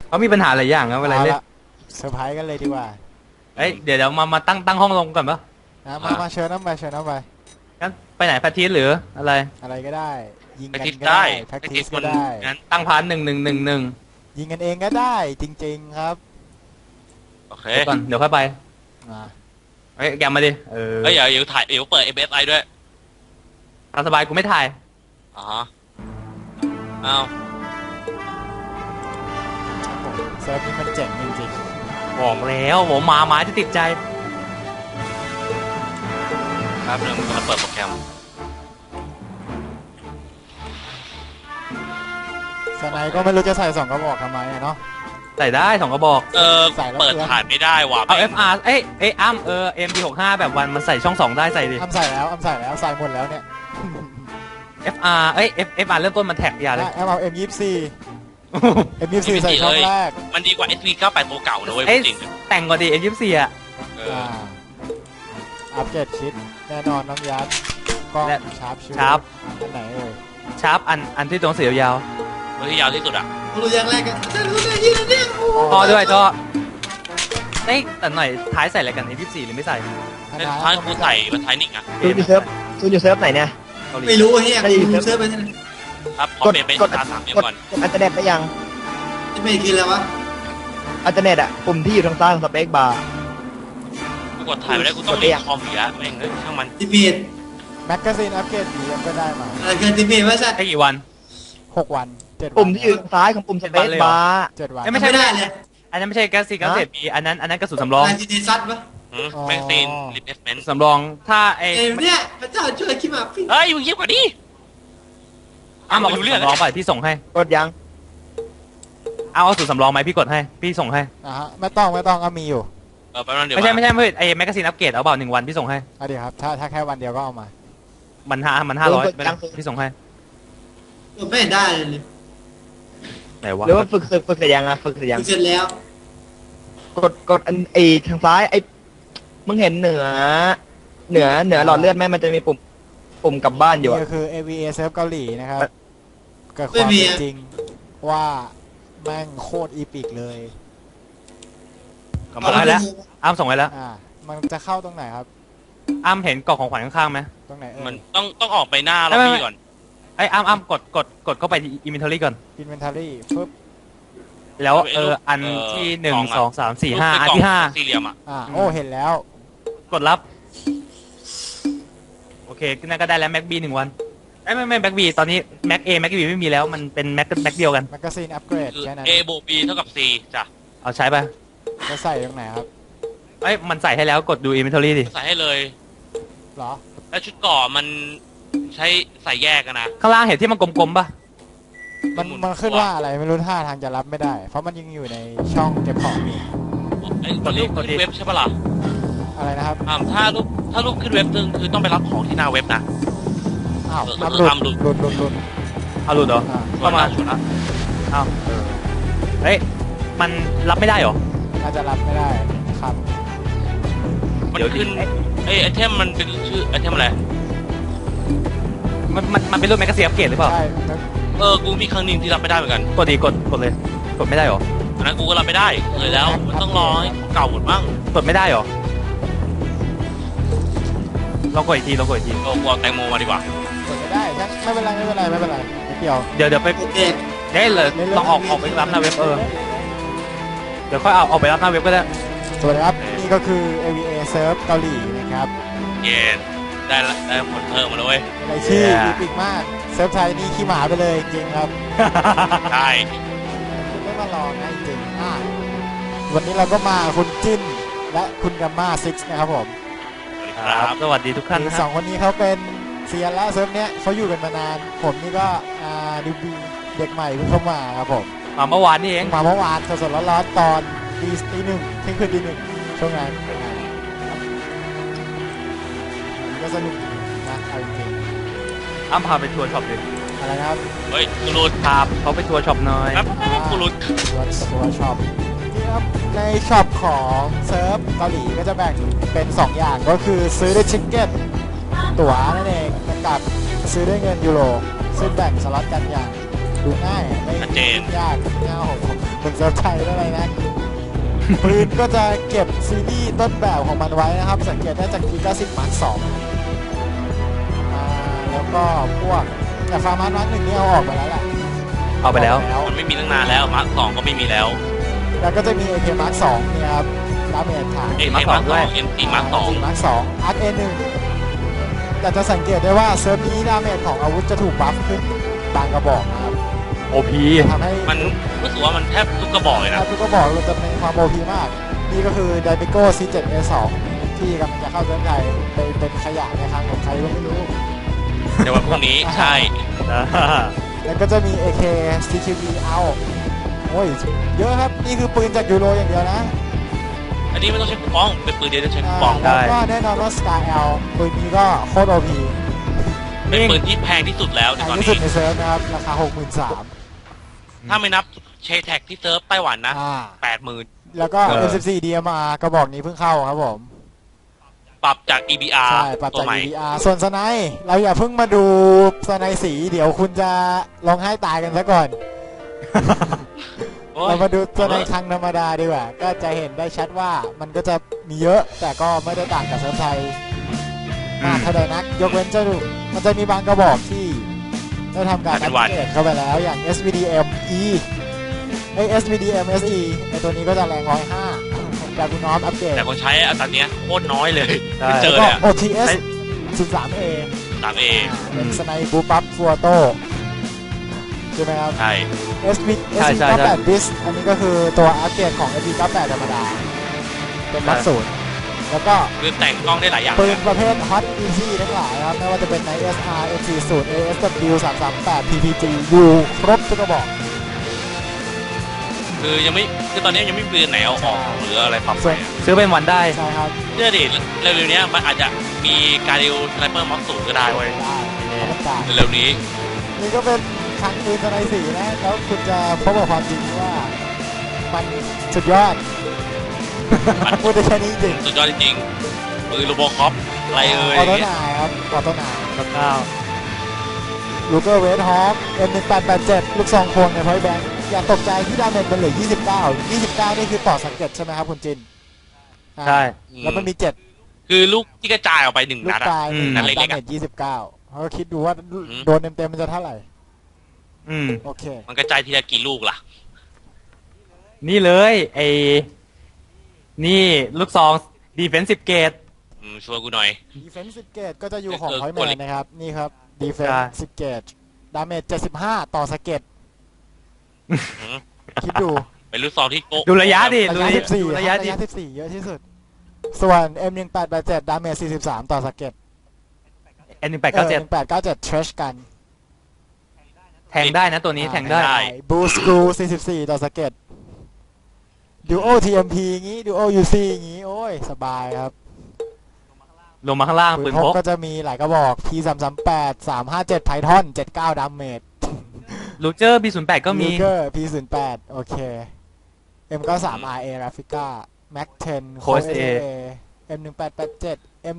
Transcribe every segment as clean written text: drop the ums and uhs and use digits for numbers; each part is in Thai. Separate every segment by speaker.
Speaker 1: เขามีปัญหาหลายอย่างครับเวลาเล่น
Speaker 2: เซอร์ไพรส์กันเลยดีกว่า
Speaker 1: เอ้ยเดี๋ยวมาตั้งห้องลงก่อนปะ
Speaker 2: มาเชิญน้ำไปเชิญน้ำไป
Speaker 1: งั้นไปไหนแพททีสหรืออะไร
Speaker 2: อะไรก็ได้ยิงกันก็
Speaker 3: ได้
Speaker 2: ได้แพ็กทีสก็ได้
Speaker 1: งั้นตั้งพาร์ท1-1-1-1
Speaker 2: ยิงกันเองก็ได้จริงๆครับ
Speaker 3: โอเค
Speaker 1: ก่อนเดี๋ยวค่อยไปเฮ้ยแกมาดิ
Speaker 3: เฮ้ยเดี๋ยวถ่ายเดี๋ยวเปิด MSI ด้วย
Speaker 1: ตามสบายกูไม่ถ่าย
Speaker 3: อ๋อเอา
Speaker 2: เซิร์ฟนี้มันเจ๋งจริง
Speaker 1: ๆบอกแล้วผมมาไม้จะติดใจ
Speaker 3: ครับเรื่องมันจะเปิดโปรแกรม
Speaker 2: สไนก็ไม่รู้จะใส่2 กระบอกทำไมเนาะ
Speaker 1: ใส่ได้2 กระบอก
Speaker 3: เปิดถ่ายไม่ได้ว่ะ
Speaker 1: เอา FR เอ้ยอ้ำMD65 แบบวันมันใส่ช่อง2ได้ใส่ดิ
Speaker 2: อ้ำใส่แล้วใส่หมดแล้วเนี่ย
Speaker 1: FR FR เริ่มต้นมันแท็กอย่าเลย
Speaker 2: เอา M24 M24 ใส่ช่องแรก
Speaker 3: มันดีกว่า SV98 ตัวเก่านะเว้ยจริง
Speaker 1: แต่งกว่าดี M24 อ่ะ
Speaker 2: อัปเกรดชิดแน่นอนน้องยัดกล้องชาร์ปอันไหน
Speaker 1: ชาร์ปอันที่ตรงสียาว
Speaker 3: ที่ยาวที่สุดอ่ะ
Speaker 4: รู้อย่างแรกกันเนี่ย
Speaker 1: ท่อด้วยท่อแต่หน่อยท้ายใส่อะไรกัน M24 หรือไม่ใส่
Speaker 3: ท้ายกูใส่มันท้ายนิกอ่ะ
Speaker 5: ซูนอยู่เซิร์ฟไหนเนี่ย
Speaker 4: ไม่รู้เฮียกูเซิร์ฟไปที่ไหน
Speaker 3: ครับพอเปลี่ยนเป็นตา3เดือนก่อน
Speaker 5: อัลเทอร์เน็ตไปยัง
Speaker 4: ไม่กินแล้ววะ
Speaker 5: อัลเทอร์เน็ตอ่ะปุ่มที่อยู่ทางซ้ายของสเปคบาร์
Speaker 3: กูกดถ่ายไปได้กูต้องเรียกคอมอีกแล้วแม่งเฮ้ยช่างมัน
Speaker 4: ทีพี
Speaker 2: แมกกาซีนอัปเกรดดีก็ได้มา
Speaker 4: เกินทีพีว่าใช่
Speaker 1: กี่วัน
Speaker 2: 6 วัน7 วัน
Speaker 5: ปุ่มที่อยู่ทางซ้ายของปุ่มสเปคบาร์
Speaker 2: 7 วัน
Speaker 1: ไม่ใช่
Speaker 4: ได้เลย
Speaker 1: อันนั้นไม่ใช่แก๊สซีกัสเศษบีอันนั้นกระสุนสำรอง
Speaker 4: จีดีซัดปะ
Speaker 3: แมกซีนรีเพลสเมนต์
Speaker 1: สำรองถ้า
Speaker 4: เนี่ยพระเจ้าช่วยคิดมา
Speaker 3: เฮ้ยมึงเยี่ยมกว่านี้
Speaker 1: บอกดูเรื่องสำรองไปพี่ส่งให้
Speaker 5: กดยัง
Speaker 1: เอาสูตรสำรองไหมพี่กดให้พี่ส่งให้
Speaker 2: ไม่ต้องก็มีอยู่
Speaker 1: ไม่ใช่ไอ้แมกกาซีนอัปเกรดเอาเปล่า1 วันพี่ส่งให้
Speaker 2: ดีครับถ้าแค่วันเดียวก็เอามา
Speaker 1: มัน500พี่ส่งให้
Speaker 4: ไม่ได้เลย
Speaker 1: ไหนวะ
Speaker 5: หรือว่าฝึกเสร็จยังฝึกเสร็จยัง
Speaker 4: เสร็จแล้ว
Speaker 5: กดทางซ้ายมึงเห็นเหนือหลอดเลือดไหมมันจะมีปุ่มกลับบ้านอยู่
Speaker 2: นี่คือ AVA เซิร์ฟเกาหลีนะครับเกิดความจริงว่าแม่งโคตรอีพิกเลย
Speaker 1: ส่งให้แล้วอ้ำส่งให้แล้ว
Speaker 2: มันจะเข้าตรงไหนครับ
Speaker 1: อ้ำเห็นกล่องของขวัญข้างๆไหม
Speaker 2: ตรงไหน
Speaker 3: มันต้องออกไปหน้าล็อบบี้ก่อน
Speaker 1: ไอ้อ้ำกดเข้าไปที่ inventory ก่อน
Speaker 2: inventory ปึ๊บ
Speaker 1: แล้วอันที่1 2 3 4 5อันที่5
Speaker 3: สี่เหลี่ยม
Speaker 2: โอ้เห็นแล้ว
Speaker 1: กดรับโอเคนั่นก็ได้แล้ว Mac B 1 วันไม่ Mac B ตอนนี้ Mac A Mac B ไม่มีแล้วมันเป็น Mac เดียวกัน
Speaker 2: Magazine Upgrade แค่นั้น
Speaker 3: A บวก B เท่ากับ C จ้ะ
Speaker 1: เอาใช้ไป
Speaker 2: จะใส่ตรงไหนครับ
Speaker 1: มันใส่ให้แล้วกดดู inventory ดิ
Speaker 3: ใส่ให้เลย
Speaker 2: เหรอ
Speaker 3: แล้วชุดก่อมันใช้ใส่แยกกันนะ
Speaker 1: ข้างล่างเห็นที่มันกลมๆป่ะ
Speaker 2: มันขึ้นว่าอะไรไม่รู้ท่าทางจะรับไม่ได้เพราะมันยังอยู่ในช่องเก็บของนี่
Speaker 3: กดเว็บใช่ปะล่ะ
Speaker 2: อะไรนะครับ
Speaker 3: ถ้ารูปขึ้นเว็บนึงคือต้องไปรับของที่หน้าเว็บนะ
Speaker 2: หลุดเอาหลุ
Speaker 1: ดเหรอ
Speaker 3: เข้ามาชุดละ
Speaker 1: เฮ้ยมันรับไม่ได้หรอ
Speaker 2: น่าจะรับไม่ได้ครับ
Speaker 3: มันขึ้นไอเทมมันเป็นชื่อไอเทมอะไร
Speaker 1: มันเป็นรูปแมกกาซีนอัปเกรดหรือเปล่า
Speaker 2: ใช่
Speaker 3: กูมีครั้งนึงที่รับไม่ได้เหมือนกัน
Speaker 1: กดเลยกดไม่ได้หรอ
Speaker 3: อันนั้นกูก็รับไม่ได้เลยแล้วมันต้องรอให้เก่าหมดบ้าง
Speaker 1: กดไม่ได้หรอลองกดอีกที
Speaker 3: กูเอาแตงโมมาดีกว่า
Speaker 2: กดไม่ได้ไม่เป็นไรเ
Speaker 1: ดี๋ยวไปได้เลยลองออกไปรับหน้าเว็บเดี๋ยวค่อยเอาออกไปรับหน้าเว็บก็ได้
Speaker 2: สวัสดีครับนี่ก็คือ AVA เซิร์ฟเกาหลีนะครับ
Speaker 3: เย็นได้ผลเพิ่มมาเลย
Speaker 2: อะไรชื่ออีพิกมากเซิร์ฟไทยนี่ขี้หมาไปเลยจริงครับ
Speaker 3: ใช่
Speaker 2: ไม่มาลองนะจริงวันนี้เราก็มาคุณจิ้นและคุณกัมม่าซิกนะครับผม
Speaker 1: ครับสวัสดีทุกท่าน
Speaker 2: 2 คนนี้เขาเป็นเซียนแล้วเซิร์ฟเนี้ยเขาอยู่กันมานานผมนี่ก็ดิวบีเด็กใหม่เพิ่งเข้ามาครับผม
Speaker 1: มาเมื่อวานนี่เอง
Speaker 2: มาเมื่อวานสดๆร้อนๆตอนตี 1เที่ยงคืนตี 1ช่วงนั้นก็สนุกนะเอาจริง
Speaker 1: อ้ำพาไปทัวร์ช็อปดิ
Speaker 2: อะไรครับ
Speaker 3: เฮ้ยกูรูด
Speaker 1: พาเขาไปทัวร์ช็อปหน่อย
Speaker 3: กูรูด
Speaker 2: ทัวร์ช็อปจริงครับในช็อปของเซิร์ฟเกาหลีก็จะแบ่งเป็น2 อย่างก็คือซื้อด้วยชิคเก้นตั๋วนั่นเองกับซื้อด้วยเงินยูโรซึ่งแบ่งสล็อตกันอย่างดูง่ายไม่
Speaker 3: ชัดเจน
Speaker 2: ยากง่ายผมเป็นเซิร์ฟไทยอะไรนะ ปืนก็จะเก็บซีรีส์ต้นแบบของมันไว้นะครับ สังเกตได้จาก Gigasin Mark 2แล้วก็พวกแต่ฟาร์มาร์Mark 1นี่เอาออกไปแล้วแหละ
Speaker 1: เอาไปแล้ว
Speaker 3: มันไม่มีตั้งนานแล้วมาร์ค2ก็ไม่มีแล้ว
Speaker 2: แล้วก็จะมี AK Mark 2เนี่ยครับดาเมจฐาน
Speaker 3: เอ็ม
Speaker 1: Mark
Speaker 3: มาร์ค
Speaker 1: 2ด้วย
Speaker 3: 2 MT Mark 2
Speaker 2: Mark 2 Arc A1 แต่จะสังเกตได้ว่าเซิร์ฟนี้ดาเมจของอาวุธจะถูกบัฟขึ้นบางกระบอกนะครับ
Speaker 1: OP
Speaker 2: ทำให้
Speaker 3: มันรู้สึกว่ามันแทบทุกกระบอกเลยนะ
Speaker 2: ทุกกระบอกเราจะมีความ OP มาก นี่ก็คือ Daibico C7A2 ที่กำลังจะเข้าเซิร์ฟไทยเป็นขยะในครั้งของใครก็ไม่รู้
Speaker 3: ในวันพรุ่งนี้ใช่
Speaker 2: แล้วก็จะมี AK CQB เอาโอ้ยเยอะครับนี่คือปืนจากยูโรอย่างเดียวนะ
Speaker 3: อันนี้ไม่ต้องใช้คูปองเป็นปืนเดียวจะใช้คูปอง
Speaker 2: แล้วก็แน่นอนว่า Sky L ปืนนี้ก็โคตร OP
Speaker 3: เป็นปืนที่แพงที่สุดแล้วใน
Speaker 2: แพง
Speaker 3: ตอน
Speaker 2: ที่สุ
Speaker 3: นี้
Speaker 2: ดในเซิร์ฟนะครับ ราคา 63,000
Speaker 3: ถ้าไม่นับเชแท็กที่เซิร์ฟไต้หวันนะ
Speaker 2: อ่า
Speaker 3: 80,000
Speaker 2: แล้วก็ M14 DMR กระบอกนี้เพิ่งเข้าครับผม
Speaker 3: ปรับจาก EBR
Speaker 2: ใช่ปรับ
Speaker 3: ตัว
Speaker 2: จาก
Speaker 3: ใหม่
Speaker 2: EDR ส่วนสไนป์เราอย่าเพิ่งมาดูสไนป์สี เดี๋ยวคุณจะร้องไห้ตายกันซะก่อน
Speaker 3: โอ้ย
Speaker 2: เรามาดูตัวในครั้งธรรมดาดีกว่า ก็จะเห็นได้ชัดว่ามันก็จะมีเยอะ แต่ก็ไม่ได้ต่างกับเซิร์ฟไทยมากเท่าใดนัก ยกเว้นจะดูมันจะมีบางกระบอกที่ได้ทำการอัปเกรดเข้าไปแล้วอย่าง SVDM E SVDM SE ในตัวนี้ก็จะแรง105แต่คุณน้อมอัปเกรด
Speaker 3: แต่คนใช้อัตราเนี้ยโคตรน้อยเลย
Speaker 1: ใช่
Speaker 3: เจอ
Speaker 2: แล้ว
Speaker 3: เล
Speaker 2: ก็
Speaker 3: ย
Speaker 2: OTS 13A
Speaker 3: 3A
Speaker 2: เป็นสไนบูปั๊บฟัวโต้ใช่ไหมครับ
Speaker 3: ใช่
Speaker 2: SV
Speaker 1: ใช่ใช่
Speaker 2: 98 bis อันนี้ก็คือตัวอัปเกรดของ SV 98ธรรมดา เป็นมัดศูนย์แล้วก็
Speaker 3: คือแต่งกล้องได้หลายอย่าง
Speaker 2: ปืนประเภท Hot Easy ทั้งหลายครับ ไม่ว่าจะเป็นใน SR M40 ASW 338 PPG U ครบทุกกระบอก
Speaker 3: คือยังไม่คือตอนนี้ยังไม่มีปืนไหนเอาออกหรืออะไรปรับไปอะ
Speaker 1: ซื้อเป็นวันได้
Speaker 2: ใช่ครับ
Speaker 3: เชื่อดิเร็วๆเนี้ยมันอาจจะมีการดิวสไนเปอร์ม็อกสูงก็ได้เว้ย
Speaker 2: ได้ไม่ต้องการ
Speaker 3: เร็วๆนี้
Speaker 2: นี่ก็เป็นครั้งปืนสไนสีนะ แล้วคุณจะพบกับความจริงว่ามันสุดยอด พูดได้แค่นี้จริง
Speaker 3: สุดยอดจริงๆปืนโรโบคอปอะไรเอ่ย
Speaker 2: ออโต้นายครับออโต้นาย ลูเกอร์เวทฮอค M1887 ลูกซองควงในพอยต์แบงค์อย่าตกใจที่ดาเมจมันเหลือ29 29 นี่คือต่อสังเกตใช่ไหมครับคุณจิน
Speaker 1: ใช่
Speaker 2: แล้วมันมี 7
Speaker 3: คือลูกที่กระจายออกไปหนึ่ง
Speaker 2: ลู
Speaker 3: นั
Speaker 2: ก
Speaker 3: ดอะ
Speaker 2: ปลาย
Speaker 3: นัด
Speaker 2: ดา
Speaker 3: เล็กๆ
Speaker 2: เม
Speaker 3: อะ
Speaker 2: จ29เขาก็คิดดูว่าโดนเต็มๆมันจะเท่าไหร่
Speaker 1: อืม
Speaker 2: โอเค
Speaker 3: มันกระจายทีละกี่ลูกล่ะ
Speaker 1: นี่เลยนี่ลูกซองดีเฟนซิฟเกต
Speaker 3: ช่วยกูหน่อย
Speaker 2: Defensive Gauge ก็จะอยู่ของ
Speaker 3: เออ
Speaker 2: Point
Speaker 3: กด
Speaker 2: Man นะครับ นี่ครับ
Speaker 1: ใช่
Speaker 2: Defensive Gauge ดาเมจ75 ต่อสเก็ต
Speaker 3: อืม
Speaker 2: คิดดู
Speaker 3: เป็นลูกซองที่โก
Speaker 1: ดูระยะดิ
Speaker 2: ระ
Speaker 1: ดู
Speaker 2: ยะ 14
Speaker 1: ระยะดิ
Speaker 2: 14 เยอะที่สุด ส่วน M1887 ดาเมจ43 ต่อสเก็ต
Speaker 1: N1897
Speaker 2: 1897 Trash กัน
Speaker 1: แทงได้นะตัวนี้แทงได้
Speaker 2: บูสกรู44 ต่อสเก็ต Duo TMP งี้ Duo UC งี้ โอ้ย สบายครับ
Speaker 1: ลงมาข้างล่าง
Speaker 2: ปื
Speaker 1: ปื
Speaker 2: น
Speaker 1: น
Speaker 2: พ
Speaker 1: พ
Speaker 2: ก
Speaker 1: ก
Speaker 2: ก็จะมีหลายกระบอก P338 357 Python 79 ดาเมจ
Speaker 1: ลูเจอร์ B08 ก็มี
Speaker 2: Luger P08 โอเค M93 RA Raffica Mac 10
Speaker 1: Coast A
Speaker 2: M1887 M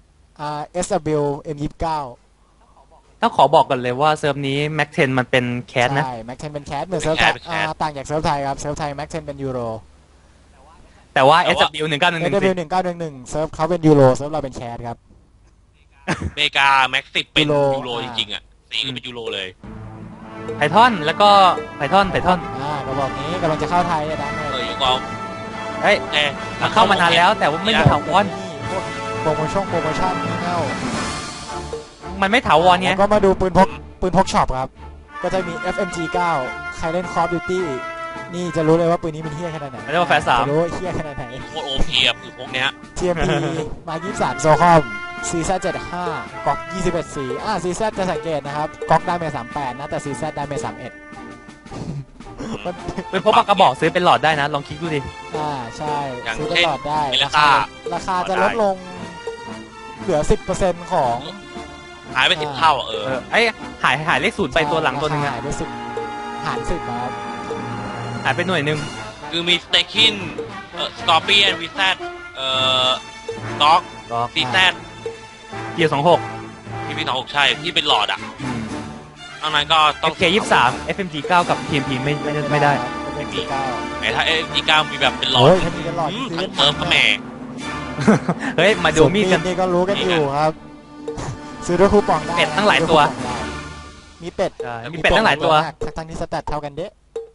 Speaker 2: SW M29
Speaker 1: ต้องขอบอกก่อนเลยว่าเซิร์ฟนี้ Mac 10 มันเป็นแคสนะ
Speaker 2: ใช่ Mac 10 เป็นแคสเหมือนเซิร์ฟไทยต่างจากเซิร์ฟไทยครับ เซิร์ฟไทย Mac 10 เป็นยูโร
Speaker 1: แต่ว่า
Speaker 3: แต่ว่า
Speaker 1: SW 1911
Speaker 2: SW 1911เซิร์ฟเขาเป็นยูโรเซิร์ฟเราเป็นแคสครับ
Speaker 3: อเมริกาแม็กซิเป็น
Speaker 2: ยูโร
Speaker 3: ยูโรจริงๆอ่ะสีก็เป็นยูโรเลย
Speaker 1: ไพทอนแล้วก็ไพทอน
Speaker 2: กระบอกนี้กำลังจะเข้าไทยนะ
Speaker 3: ยูกอง
Speaker 1: เฮ้ย
Speaker 3: แน่
Speaker 1: มันเข้ามานานแล้วแต่ว่าไม่มีถาวร
Speaker 2: พวกโปรโมชั่นนี่เน่า
Speaker 1: มันไม่ถาวรไง
Speaker 2: แล้วก็มาดูปืนพกช็อปครับ ก็จะมี FMG 9 ใครเล่น Call of Duty นี่จะรู้เลยว่าปืนนี้มันเฮี้ยขนาดไหน
Speaker 1: เรียกว่าแฟร์3
Speaker 2: จะรู้ว่าเฮี้ยขนาดไหน
Speaker 3: โคตรโอพีอ่ะคือพวกเนี้ย
Speaker 2: TMP มา23โซคอม CZ75 ก๊อก21สีCZ จะสังเกตนะครับก๊อกดาเมจ38นะแต่ CZ ดาเมจ31มัน
Speaker 1: ปืนพกปากกระบอกซื้อเป็นหลอดได้นะ ลองคลิกดูดิ
Speaker 2: ใช่
Speaker 3: อย่าง
Speaker 2: ซื้อต
Speaker 3: เช่น
Speaker 2: ลอดได้
Speaker 3: เมล
Speaker 2: รา
Speaker 3: ซ่า
Speaker 2: คาจะลดลงเหลือ 10%ของ
Speaker 3: หายไป10 เท่าอ่ะ
Speaker 1: ไอ้หายเลขศูนย์ไปตัวหลังตัวหนึงอะ
Speaker 2: หายไป10หาร10ครับ
Speaker 1: หายไปหน่วยหนึง
Speaker 3: คือมีสเตคินสกอร์เปียนวีแซดด็อก
Speaker 1: ก็
Speaker 3: ซีแซด
Speaker 1: เกียร์26
Speaker 3: พีพี26ใช่ที่เป็นหลอดอ่ะนอกนั้นก็ต้อง
Speaker 1: FK23 FMG9 กับ TMP ไม่ได้
Speaker 2: ไม่มีเก้า
Speaker 3: ไหนถ้าFMG9 มีแบบเป็นหลอด
Speaker 2: โอ้ยถ้ามีกันหลอด
Speaker 3: ทั้งเติมก็แหม่
Speaker 1: เฮ้ยมาดูมีดกัน
Speaker 2: นี่ก็รู้กันอยู่ครับ ซื้อด้วยคูปองได้
Speaker 1: เป็ดตั้งหลายตัว
Speaker 2: มีเป็ด
Speaker 1: ใช่มีเป็ดตั้งหลายตัว
Speaker 2: ทั้งที่สแตทเท่ากันเด้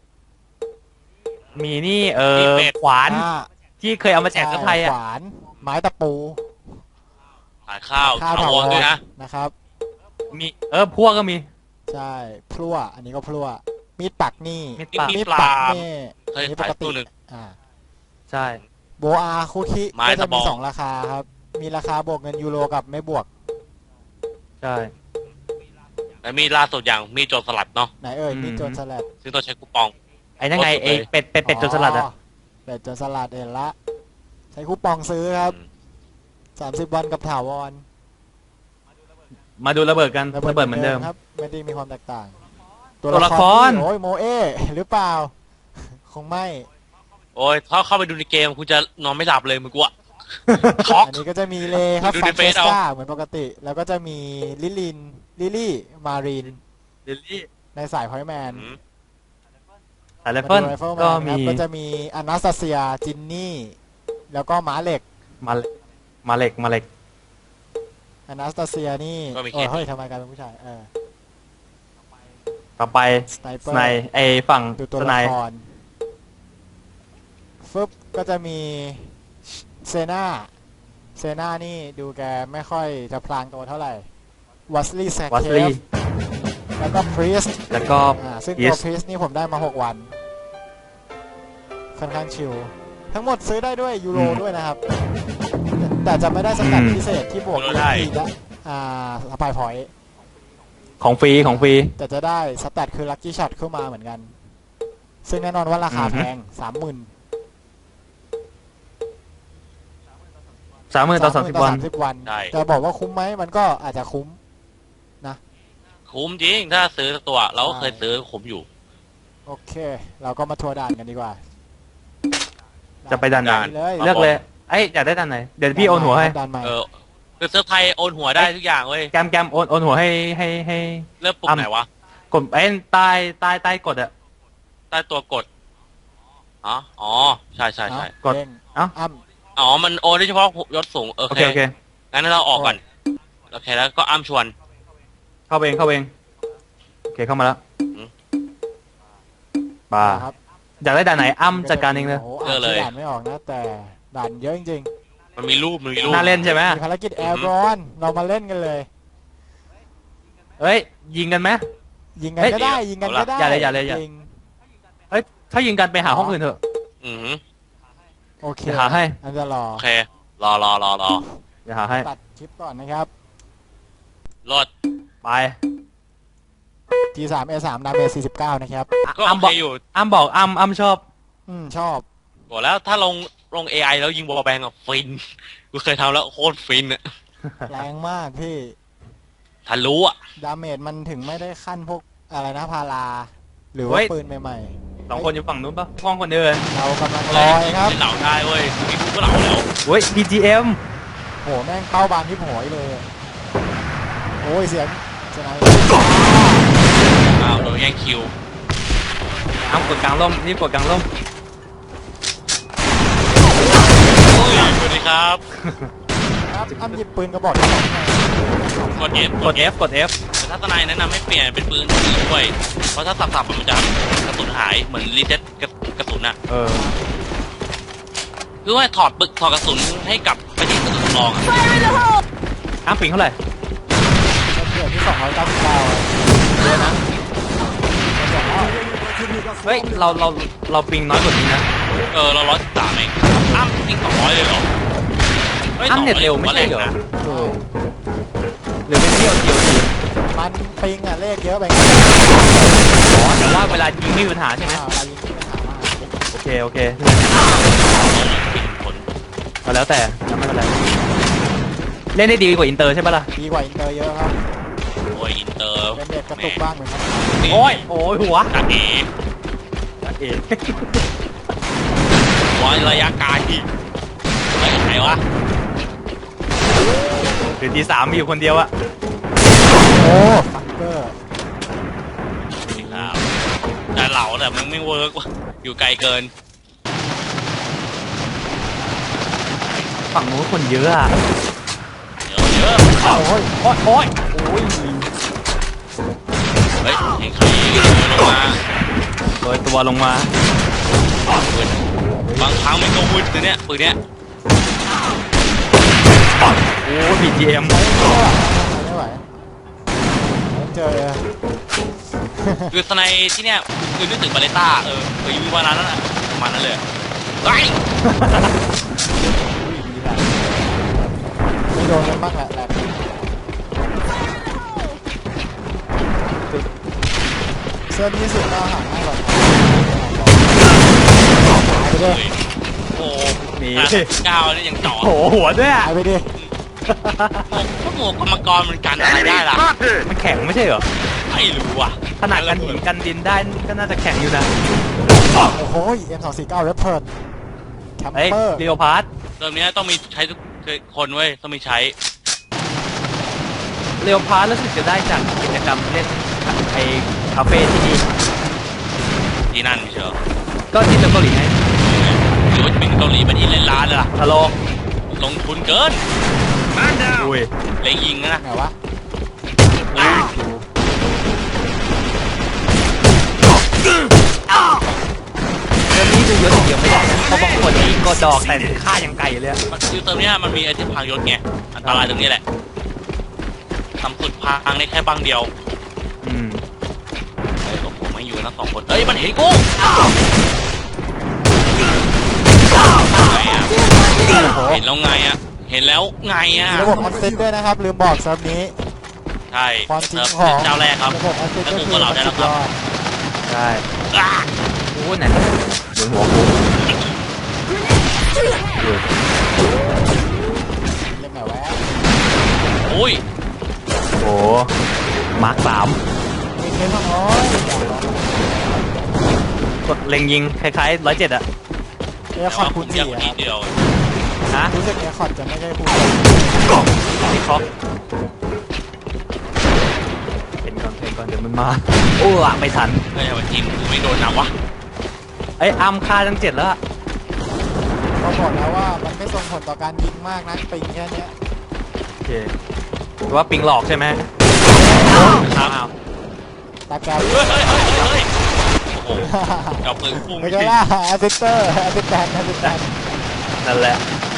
Speaker 1: มีนี่
Speaker 3: มีเป็ด
Speaker 1: ขวาน
Speaker 2: อ่า
Speaker 1: ที่เคยเอามาแจกคนไทยอ่ะ
Speaker 2: ขวานไม้ตะปู
Speaker 3: ขายข้าว
Speaker 2: ข้าว
Speaker 3: ถาวรด้วยนะ
Speaker 2: นะครับ
Speaker 1: มีพวกก็มี
Speaker 2: ใช่พลั่วอันนี้ก็พลั่วมีดปักนี่
Speaker 1: มีดปัก
Speaker 3: มีปลา
Speaker 2: นี่
Speaker 3: เคย
Speaker 2: นี่ป
Speaker 3: ขาย
Speaker 2: กติ
Speaker 3: ตู้หนึ่ง
Speaker 2: อ่า
Speaker 1: ใช่
Speaker 2: โบอาคุคิ
Speaker 3: ไม้
Speaker 2: ก็จะ
Speaker 3: ตะบ
Speaker 2: มี
Speaker 3: อง
Speaker 2: สองราคาครับ มีราคาบวกเงินยูโรกับไม่บวก
Speaker 1: ใช่
Speaker 3: แล้วมีล่าสุดอย่างมีโจรสลัดเนาะ
Speaker 2: ไหนเอ่ย
Speaker 1: อืม
Speaker 2: มีโจรสลัด
Speaker 3: ซึ่งต้องใช้คูปอง
Speaker 1: ไอ้นั่นไง
Speaker 3: โคตรสุด
Speaker 1: ไอ้
Speaker 3: เลย
Speaker 1: เป็ดจนสลัดอ่ะ
Speaker 2: เป็ดโจรสลัดเห็นละ ใช้คูปองซื้อครับ 30 วันกับถาวร
Speaker 1: มาดูระเบิดกันระเบิดเหมือนเดิม
Speaker 2: ครับ ไม่ได้มีความแตกต่าง
Speaker 1: ตัวละคร
Speaker 2: โอ้ยโมเอหรือเปล่า คงไม่
Speaker 3: โอ้ยถ้าเข้าไปดูในเกมคุณจะนอนไม่หลับเลยมึงกูอะ ช็อก
Speaker 2: อันนี้ก็จะมีเลครับ
Speaker 3: ดู
Speaker 2: ฟั
Speaker 3: ใน
Speaker 2: น
Speaker 3: เฟ
Speaker 2: เฟ
Speaker 3: ซ
Speaker 2: ส
Speaker 3: เอา
Speaker 2: กาเหมือนปกติ แล้วก็จะมีลิลี่มารีน
Speaker 1: ลิลลี่
Speaker 2: ในสายพอยแมน
Speaker 1: สายไรเฟิลก็มี
Speaker 2: ก็จะมีอนาสตาเซียจินนี่ แล้วก็หมาเหล็ก
Speaker 1: มาเหล็ก
Speaker 2: อนาสตาเซียนี่
Speaker 3: ก็มี
Speaker 2: โอ้ย
Speaker 3: เคส
Speaker 2: เฮ้ยทำไมกลายเป็นผู้ชาย
Speaker 1: ต่อไป
Speaker 2: สไนเปอ
Speaker 1: ส
Speaker 2: ร์
Speaker 1: ไนไอฝั่ง
Speaker 2: ดูตัว
Speaker 1: สไน
Speaker 2: ละครฟึบก็จะมีเซนานี่ดูแกไม่ค่อยจะพลางตัวเท่าไหร่วัสลีย์แซค
Speaker 1: วั
Speaker 2: เค
Speaker 1: สลี
Speaker 2: ฟแล้วก็พรีส
Speaker 1: แล้วก็
Speaker 2: ซึ่ง
Speaker 1: Yes
Speaker 2: ตัวพรีสนี่ผมได้มา 6 วัน ค่อนข้างชิลทั้งหมดซื้อได้ด้วยยูโรด้วยนะครับ แต่จะไม่ได้สแตทพิเศษที่บวก
Speaker 3: ยูโรได้
Speaker 2: ทีละสปายพอยต์
Speaker 1: ของฟรี
Speaker 2: แต่จะได้สแตทคือลัคกี้ช็อตเข้ามาเหมือนกัน ซึ่งแน่นอนว่าราคาแพง 30,000
Speaker 1: 30,000ต่อ30 วัน
Speaker 2: 30 วัน
Speaker 3: ใช่
Speaker 2: จะบอกว่าคุ้มไหมมันก็อาจจะคุ้ม
Speaker 3: คุ้มจริงถ้าซื้อสักตัวเราก็เคยซื้อคุ้มอยู่
Speaker 2: โอเค เราก็มาทัวร์ด่านกันดีกว่า
Speaker 1: จะไปด่านไหน
Speaker 2: เลย
Speaker 3: ครับ
Speaker 1: เลือกเลยไอ้ยอยากได้ด้านไหนเดี๋ยวพี่โอนหัวให้
Speaker 2: ด่านใหม่
Speaker 3: เออคือเซิร์ฟไทยโอนหัวได้ทุกอย่างเว้ย
Speaker 1: แกมโอนหัวให้
Speaker 3: เลือกปุ่มไหนวะ
Speaker 1: กดไอ้ใต้กดอะ
Speaker 3: ใต้ตัวกดอ๋อใช่
Speaker 1: กด
Speaker 2: เด้ง
Speaker 1: เอ้า
Speaker 2: อ้ำ
Speaker 3: อ๋อมันโอนได้เฉพาะยศสูงโอ
Speaker 1: โอ
Speaker 3: เค
Speaker 1: เค
Speaker 3: งั้นเราออกก่อนโอเคแล้วก็อ้ำชวน
Speaker 1: เข้าเองโอเคเข้ามาแล้ว
Speaker 3: อืม
Speaker 1: ป่า
Speaker 2: ครับ
Speaker 1: อยากได้ด่านไหนจัดการเองเลย
Speaker 2: โอ้โหอ่านชื่อด่านไม่ออกนะ แต่ด่านเยอะจริง
Speaker 3: มันมีรูป
Speaker 1: น่าเล่นใช่ไหม
Speaker 2: ๆมีภารกิจแอร์บอลเรามาเล่นกันเลย
Speaker 1: เฮ้ยยิงกันไหม
Speaker 2: ยิงกันก็ได้ ยิงกันก็ได้
Speaker 1: อย่าเลยอย่า
Speaker 2: ยิง
Speaker 1: เฮ้ยถ้ายิงกันไปหาห้องอื่นเถอะ
Speaker 3: อือหือ
Speaker 2: โอเค
Speaker 1: เดี๋ยวหาให้
Speaker 2: อันจะรอ
Speaker 3: โอเครอ
Speaker 1: เดี๋ยวหาให้
Speaker 2: ตัดคลิปก่อนนะครับ
Speaker 3: รถ
Speaker 1: ไป
Speaker 2: T3 A3 ดาเมจ49 นะครับ
Speaker 3: ก็โอ
Speaker 1: อ้ำบ
Speaker 3: เค
Speaker 1: อก
Speaker 3: อยู่
Speaker 1: บอกชอบ
Speaker 2: ชอบ
Speaker 3: บอกแล้วถ้าลง AI แล้วยิงบอลแบงอะฟินกูเคยทำแล้วโคตรฟินอะ
Speaker 2: แรงมากพี่
Speaker 3: ทะลุอะ
Speaker 2: ดาเมจมันถึงไม่ได้ขั้นพวกอะไรนะพารา หรือว่าปืนใหม่
Speaker 1: 2 คนอยู่ฝั่งนู้นปะห้องคนเดิน
Speaker 2: ๆ เรากำลังลอยครับ
Speaker 3: เหล่าได้เว้ยมีกูก็เหล่าแล้ว
Speaker 1: เฮ้ย BGM
Speaker 2: โหแม่งเป้าบานที่โหยเลย โอ้ยเสียงสไน
Speaker 3: อ้าวโดนแย่งคิว
Speaker 1: กดกลางร่มนี่กดกลางร่ม
Speaker 3: โอ้ยสวัสดีครับ
Speaker 2: ครับอ้ำหยิบปืนกระบอกที่สองไง
Speaker 3: กด F
Speaker 1: กด F กด F
Speaker 3: แต่ถ้าทนายแนะนำให้เปลี่ยนเป็นปืนอื่นด้วยเพราะถ้าสับๆมันจะกระสุนหายเหมือนรีเซ็ตกระสุนอะ คือว่าถอดกระสุนให้กลับไปที่กระสุนรองอะ
Speaker 1: ปิงเท่าไหร่
Speaker 2: เดือนที่299เยอะนะ
Speaker 1: เฮ้ยเราปิงน้อยกว่านี้นะ
Speaker 3: เรา113เองอ้ำยิง200เลยเหรอฮ้ย
Speaker 1: อ้ำเน็ตเร็วไม่ใช่เหรอ
Speaker 3: 200นะ
Speaker 2: ถูก
Speaker 1: หรือเป็นเที่ยวที
Speaker 2: มันปิงอ่ะเลขเยอะไป
Speaker 1: แต่ว่าเวลายิงไม่มีปัญหาใช่ไหม
Speaker 2: อะไรยิงที่ปัญหามาก
Speaker 1: โอเค
Speaker 3: ผล
Speaker 1: ก็แล้วแต่ไม่เป็นไรเล่นได้ดีกว่าอินเตอร์ใช่ปะล่ะ
Speaker 2: ดีกว่าอินเตอร์เยอะครับ
Speaker 3: โอ้ยอินเตอร์
Speaker 2: เป็นเด็กกระตุกบ้างเหมือนกัน
Speaker 1: โอ้ยหัว
Speaker 3: ตัดเอ
Speaker 1: เอ๋
Speaker 3: ร้อยระยะไกลเฮ้ยไหนวะ
Speaker 1: หรือที3มีอยู่คนเดียวอะ
Speaker 2: โอ้ฟักเกอร์
Speaker 3: แต่มันไม่เวิร์กว่ะอยู่ไกลเกิน
Speaker 1: ฝั่งนู้นคนเยอะอะ
Speaker 3: เยอะ
Speaker 1: โอ้ยโอ้ยโอ้ยโอ้ย
Speaker 3: เฮ้ยเห็นใครลงมา
Speaker 1: โดยตัวลงมา
Speaker 3: บางครั้งมันก็วืดนะเนี่ยปืนเนี้ย
Speaker 1: โอ้ย BGM
Speaker 2: ไม่ไหวเจอ
Speaker 3: คือสไนที่เนี่ยคือนึกถึงบาเลต้าเคยมีวันนั้นน่ะประมาณนั้นเลยไ
Speaker 2: ไม่โดนกันบ้างแหละเสื้อนี้สุดก็ห่างให้หรอกหายไปดิ
Speaker 3: โอ้โห
Speaker 1: นี่
Speaker 3: ก้าวนี่ยังจ่อ
Speaker 1: โอ้โหหัวด้วยอะ
Speaker 2: หายไปดิ
Speaker 3: พวกหมวกกรรมกรมันกันอะไรได้ล่ะ
Speaker 1: มันแข็งไม่ใช่เหรอ
Speaker 3: ไม่รู้อ่ะ
Speaker 1: ขนาดกันหินกันดินได้ก็น่าจะแข็งอยู่นะ
Speaker 2: โอ้โห M249 เรปเพิร์นแคม
Speaker 1: เฮ้ย
Speaker 2: เปอร์
Speaker 1: เรียวพาร์ท
Speaker 3: เริ่มนี้ต้องมีใช้ทุกคนเว้ยต้องมีใช้
Speaker 1: เรียวพาร์ทรู้สึกจะได้จากกิจกรรมเล่นไอ้คาเฟ่ที่นี่
Speaker 3: ที่นั่นไม่ใช่เหรอ
Speaker 1: ก็ที่เกาหลีไง
Speaker 3: หรือว่าจะเป็นเกาหลีเป็นอินเล่นร้านเลยล่ะ
Speaker 1: ฮัลโหล
Speaker 3: ลงทุนเกิน
Speaker 1: อุ้ย
Speaker 3: เล็งยิงนะ
Speaker 2: ไหนวะ
Speaker 1: เรื่องนี้ดูเยอะอย่างเดียวไม่ได้นะเพราะบางคนนี่ก็ดอกแต่ค่าอย่างไก่เลยอะ
Speaker 3: คือเติมเนี้ยมันมีไอเทมพังยศไงอันตรายตรงนี้แหละต่ำสุดพังได้แค่บางเดียว
Speaker 1: อืม
Speaker 3: เฮ้ยผมไม่อยู่นะ2 คนเฮ้ยมันเห็นกูไงอ่ะเห็นแล้วไงอ่ะเห็นแล้วไงอ่ะ
Speaker 2: มีระบบออนเซ็ตด้วยนะครับ ลืมบอกเซิร์ฟนี้
Speaker 3: ใช่
Speaker 2: ความจริง
Speaker 3: เ
Speaker 2: ของ
Speaker 3: เจ้าแรกครับ
Speaker 2: ระบบออนเซ็ตก็คือมันสุดยอด
Speaker 1: ใช่
Speaker 3: อ่ะ
Speaker 1: โอ้ไหนบนหัวกู
Speaker 2: เล่นไหนวะ
Speaker 3: โอ้ย
Speaker 1: โอ้มาร์ค3
Speaker 2: มีเทนทั้งน้อย
Speaker 1: กดเล็งยิงคล้ายๆ107อะ
Speaker 2: เอคอร์ดคูณ
Speaker 3: เดียว
Speaker 2: 4
Speaker 3: นิดเดียว
Speaker 1: ฮะ
Speaker 2: รู้สึกเอคอร์ดจะไม่ได้คูณ
Speaker 1: ที่เขาเห็นก่อนเดี๋ยวมันมาโอ้อะไม่ทัน
Speaker 3: เฮ้ยทำไมทีมกูไม่โดนนำวะ
Speaker 1: ไอ้ยอัมค่าทั้ง7แล้วอะ
Speaker 2: เขาบอกแล้วว่ามันไม่ส่งผลต่อการยิงมากนะปิงแค่เนี้ย
Speaker 1: โอเคหรือว่าปิงหลอกใช่ไหม
Speaker 3: ครับ
Speaker 1: อ้าว
Speaker 2: ตาแกรม
Speaker 3: เฮ้ยเฮ้ยเฮ้ยเฮ้ยโอ้โหกับปืนพุ่ง
Speaker 2: ไม่ใช่ล่ะแอสซิสเตอร์แอสซิสแตนแอสซิสแตน
Speaker 1: นั่นแหละ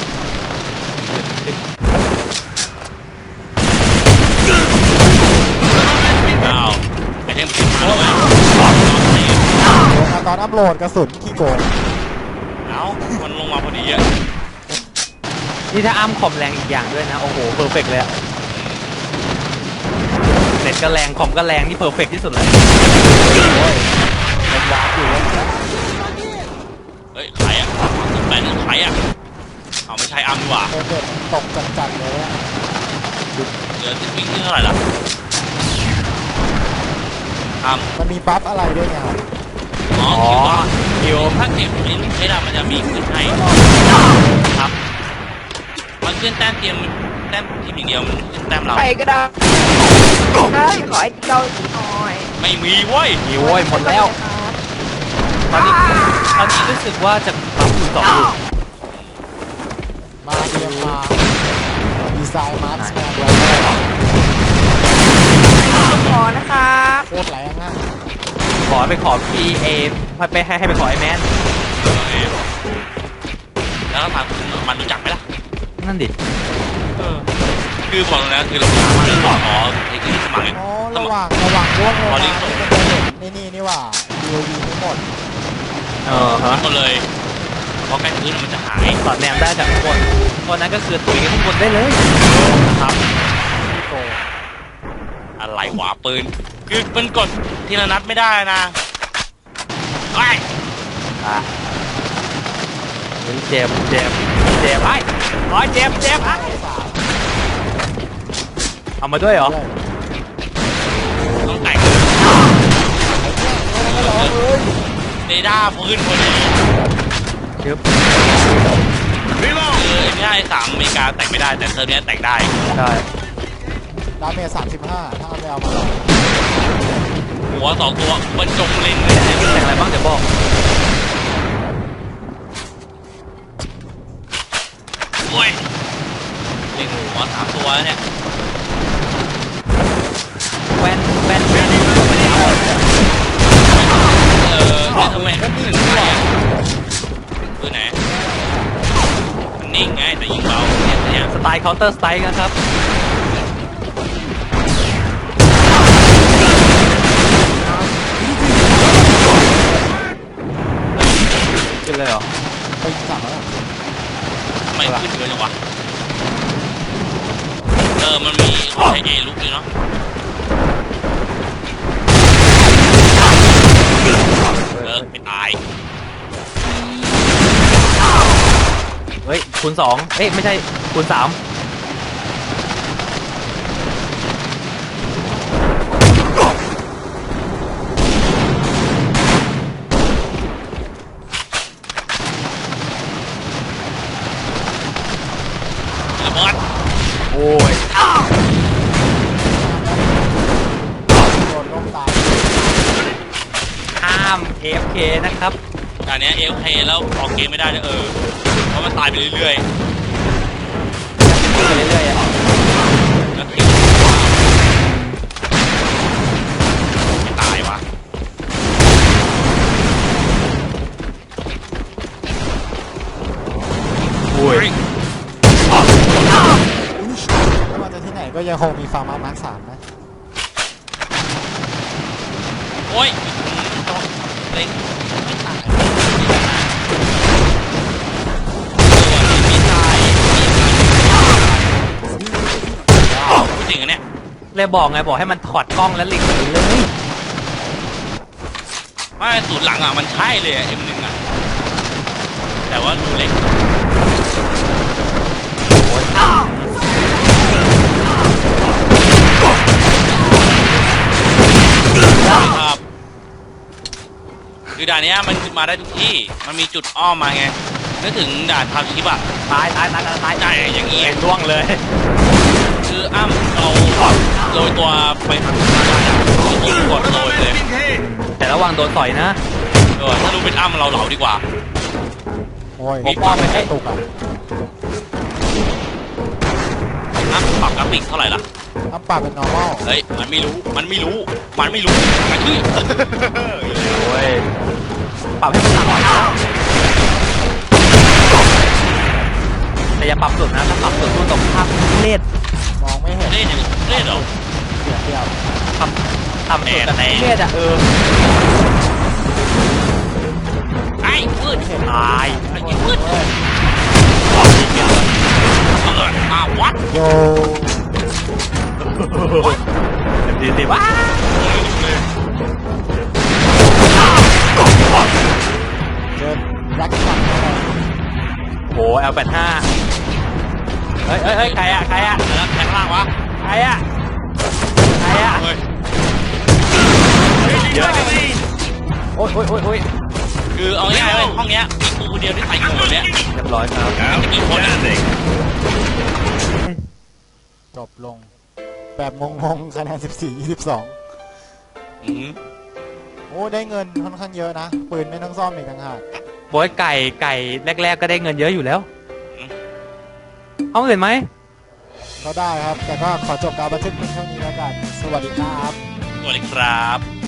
Speaker 3: อ้าวไอเทมผิดมาแล้วเว้ย
Speaker 2: ตอนอัพโหลดกระสุนขี้โกง
Speaker 3: เอ้ามันลงมาพอดีอะ
Speaker 1: นี่ถ้าอัมคอมแรงอีกอย่างด้วยนะ โอ้โหเพอร์เฟกเลยอะเน็ตก็แรงคอมก็แรงนี่เพอร์เฟกที่สุดเลย
Speaker 2: มันวาร์ปอยู่แล้ว
Speaker 3: เฮ้ยใครอะแบนใครอะเอาไม่ใช่อัมดีกว่า
Speaker 2: เด็ดตกจัดๆเลยอะ
Speaker 3: เหลือวิ่งที่เท่าไหร่ละอัม
Speaker 2: มันมีบัฟอะไรด้วยไง
Speaker 3: อ๋อ
Speaker 1: อ๋อ
Speaker 3: คิวถ้าเก็บลิ้นใช้ดามันจะมีขึ้นให้ครับมันขึ้นแต้มเทียมแต้มทีมอย่างเดียวมันขึ้นแต้มเรา
Speaker 5: ใครก็ได้ได้ขอไอ้เกาหลีหน่อย
Speaker 3: ไม่มีเว้ย
Speaker 1: มีโว้ยหมดแล้ว ตอนนี้รู้สึกว่าจะปั๊มอยู่2 ลูก
Speaker 2: มาเรียมมาดีไซน์มาร์สแมนไว้
Speaker 5: ขอนะครับ
Speaker 2: โคตรแรงอะ
Speaker 1: ขอไปขอ PA ไปให้ไปขอไอแมน
Speaker 3: แล้วก็ถามมันรู้จักไหมล่ะ
Speaker 1: นั่นดิ
Speaker 3: คือบอกเลยนะคือเราพามาเลยอ๋อไอ้ที่สมัคร
Speaker 2: อ๋อระหว่างร่วงลงมานี่มันจะเห็นนี่ว่า UAV ทั้งหมด
Speaker 1: ฮะ
Speaker 3: ก็เลยเพราะใกล้พื้นมันจะหาย
Speaker 1: สอดแนมได้จากข้างบนตอนนั้นก็คือตุ๋ยข้างบนได้เลยครับ
Speaker 2: ขี้โกง
Speaker 3: อะไรหวาปืน คือมันกดทีละนัดไม่ได้นะไอ้
Speaker 1: อ่ะเฮ้ยเจ็บไอ้เจ็บไอ้
Speaker 2: สาม
Speaker 1: เอามาด้วยเหรอ
Speaker 3: ต้องแต่ง
Speaker 2: ไม่ร้องเลย
Speaker 3: เรดาร์ปืนพอดี
Speaker 1: เดี๋ยว
Speaker 3: คือไอ้เนี่ยไอ้3อเมริกาแต่งไม่ได้แต่เทอร์เนี้ยแต่งได้
Speaker 1: ใช่
Speaker 2: ดาเมจ35ถ้าเอาไปเอามาหรอก
Speaker 3: หัวสองตัวบรรจงเล็งเลย
Speaker 1: แต่งอะไรบ้างเดี๋ยวบอก
Speaker 3: โอ้ยเล็งหัวสามตัวแล้วเนี่ย
Speaker 1: แว่นไม่ได้เอา
Speaker 3: แล้วทำไมถึงไปอ่ะปืนไหนมันนิ่งไงแต่ยิงเบาเนี่ย
Speaker 1: สไตล์ counter strike นะครับขึ้นเลยเหรอ
Speaker 2: ไปสั่งแล้ว
Speaker 3: ทำไมขึ้นเยอะจังวะมันมีใช้เอลุกเลยเนาะไม่ตาย
Speaker 1: เฮ้ยคูณ2เอ้ยไม่ใช่คูณ3
Speaker 3: ระเบิด
Speaker 1: โอ้ย
Speaker 2: โดนล่มตาย
Speaker 1: ห้าม AFK นะครับ
Speaker 3: ด่านนี้เอลเคแล้วออกเกมไม่ได้เลยเพราะมันตายไปเรื่อย
Speaker 1: ไปเรื่อยๆอ่ะ
Speaker 3: ๆแล้วคิวไม่ตายวะ
Speaker 1: โอ้ย
Speaker 2: ไม่ว่าจะที่ไหนก็ยังคงมีฟาร์มามาร์ค3นะ
Speaker 3: โอ้ยเล็งไม่ตายมีตายพูดจริงอันเนี้ย
Speaker 1: เลยบอกไงบอกให้มันถอดกล้องแล้วลิงก์ไปเลย
Speaker 3: ไม่สูตรหลังอ่ะมันใช่เลยอ่ะ M1 อ่ะแต่ว่าดูเล็กครับคือด่านเนี้ยมันมาได้ทุกที่มันมีจุดอ้อมมาไงนึกถึงด่านทาวชิปอ่ะ
Speaker 1: ตาย
Speaker 3: ใช่อย่างงี้
Speaker 1: ล่วงเลย
Speaker 3: คืออ้ำเราโรยตัวไปทางยิงกดโรยเลย
Speaker 1: แต่ระวังโดนต่อยนะ
Speaker 3: ถ้ารู้เป็นอ้ำเราเหลาดีกว่า
Speaker 2: โอ้ย
Speaker 1: ผมว่าไม่ใช่
Speaker 2: ตุกอ่ะ
Speaker 3: อ้ำปรับกราฟิกเท่าไหร่ล่ะ
Speaker 2: น้ำปลาเป็น normal
Speaker 3: เฮ้ยมันไม่รู้มันชื่อ
Speaker 1: โอ้ยปรับให้มันหนักหน่อยนะแต่อย่าปรับสุดนะถ้าปรับสุดตัวตรงข้ามเล่น
Speaker 2: มองไม่เห็น
Speaker 3: เล่นอย่างเล่นเหรอ
Speaker 2: เสียเดียว
Speaker 1: ทำสุดแต่เล่นอ่ะ
Speaker 3: ไอ้พืช
Speaker 1: ตาย
Speaker 3: ไอ้พืช
Speaker 2: เว้ย
Speaker 3: วัด
Speaker 2: โย
Speaker 1: ดีว้า
Speaker 2: เจอแร็กซันเข้าไป
Speaker 1: โห L85 เฮ้ยใครอะ
Speaker 3: แล้วแทงล่างวะ
Speaker 1: ใครอะ
Speaker 3: เฮ้ย
Speaker 1: เยอะโอ้ย
Speaker 3: คือเอาง่ายๆเลยห้องเนี้ยมีกูคนเดียวที่ใส่หมวกเนี้ย
Speaker 1: เรียบร้อยครับ
Speaker 3: กี่คนอ่ะ
Speaker 2: จบลง แบบงงๆคะแนน14-22 โอ้ได้เงินค่อนข้างเยอะนะ ปืนไม่ต้องซ่อมอีกต่างหาก
Speaker 1: บอยไก่แรกๆก็ได้เงินเยอะอยู่แล้วห้องอื่นไหม
Speaker 2: ก็ได้ครับ แต่ก็ขอจบการบันทึกเพียงเท่านี้แล้วกัน สวัสดีครับ
Speaker 3: สวัสดีครับ